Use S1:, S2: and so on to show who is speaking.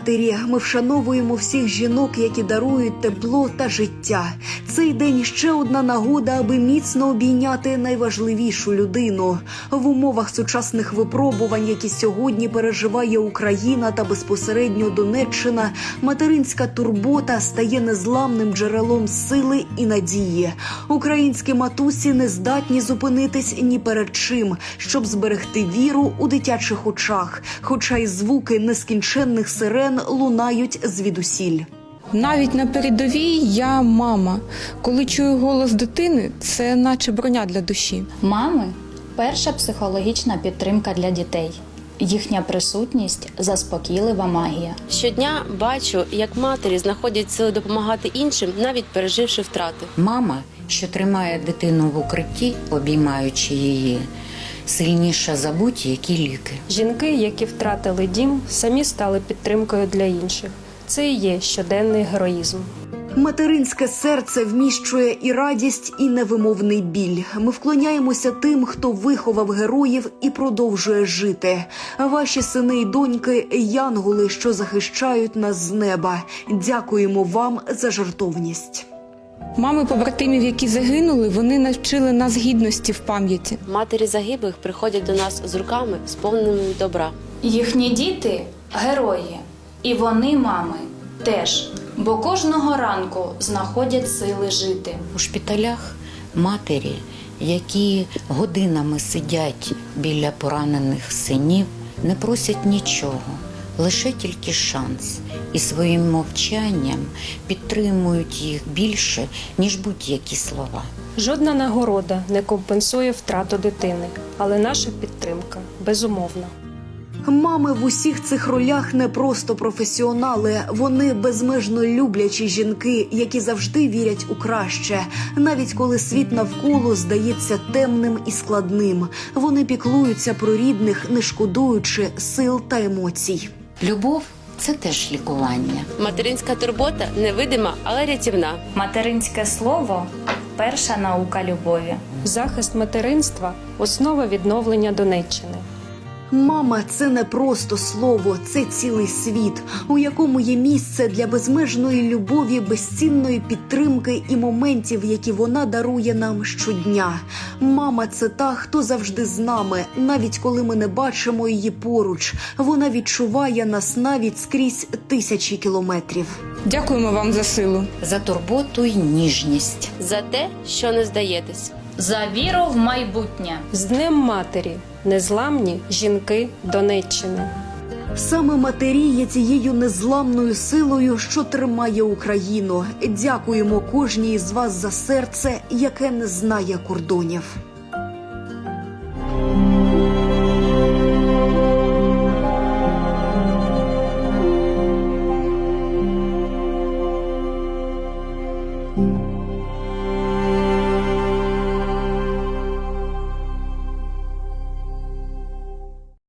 S1: матері. Ми вшановуємо всіх жінок, які дарують тепло та життя. Цей день – ще одна нагода, аби міцно обійняти найважливішу людину. В умовах сучасних випробувань, які сьогодні переживає Україна та безпосередньо Донеччина, материнська турбота стає незламним джерелом сили і надії. Українські матусі не здатні зупинитись ні перед чим, щоб зберегти віру у дитячих очах, хоча й звуки нескінченних сирен лунають звідусіль.
S2: Навіть на передовій я мама. Коли чую голос дитини, це наче броня для душі.
S3: Мами – перша психологічна підтримка для дітей. Їхня присутність – заспокійлива магія.
S4: Щодня бачу, як матері знаходять сили допомагати іншим, навіть переживши втрати.
S5: Мама, що тримає дитину в укритті, обіймаючи її, сильніша за будь-які ліки.
S6: Жінки, які втратили дім, самі стали підтримкою для інших. Це і є щоденний героїзм.
S1: Материнське серце вміщує і радість, і невимовний біль. Ми вклоняємося тим, хто виховав героїв і продовжує жити. Ваші сини й доньки – янголи, що захищають нас з неба. Дякуємо вам за жертовність.
S2: Мами побратимів, які загинули, вони навчили нас гідності в пам'яті.
S4: Матері загиблих приходять до нас з руками, сповненими добра.
S3: Їхні діти – герої. І вони, мами, теж. Бо кожного ранку знаходять сили жити.
S5: У шпиталях матері, які годинами сидять біля поранених синів, не просять нічого, лише тільки шанс. І своїм мовчанням підтримують їх більше, ніж будь-які слова.
S6: Жодна нагорода не компенсує втрату дитини, але наша підтримка безумовна.
S1: Мами в усіх цих ролях не просто професіонали. Вони безмежно люблячі жінки, які завжди вірять у краще. Навіть коли світ навколо здається темним і складним. Вони піклуються про рідних, не шкодуючи сил та емоцій.
S5: Любов – це теж лікування.
S4: Материнська турбота невидима, але рятівна.
S3: Материнське слово – перша наука любові.
S6: Захист материнства – основа відновлення Донеччини.
S1: Мама – це не просто слово, це цілий світ, у якому є місце для безмежної любові, безцінної підтримки і моментів, які вона дарує нам щодня. Мама – це та, хто завжди з нами, навіть коли ми не бачимо її поруч. Вона відчуває нас навіть скрізь тисячі кілометрів.
S2: Дякуємо вам за силу.
S5: За турботу й ніжність.
S4: За те, що не здаєтесь.
S3: За віру в майбутнє.
S6: З Днем матері! Незламні жінки Донеччини.
S1: Саме матері є цією незламною силою, що тримає Україну. Дякуємо кожній із вас за серце, яке не знає кордонів.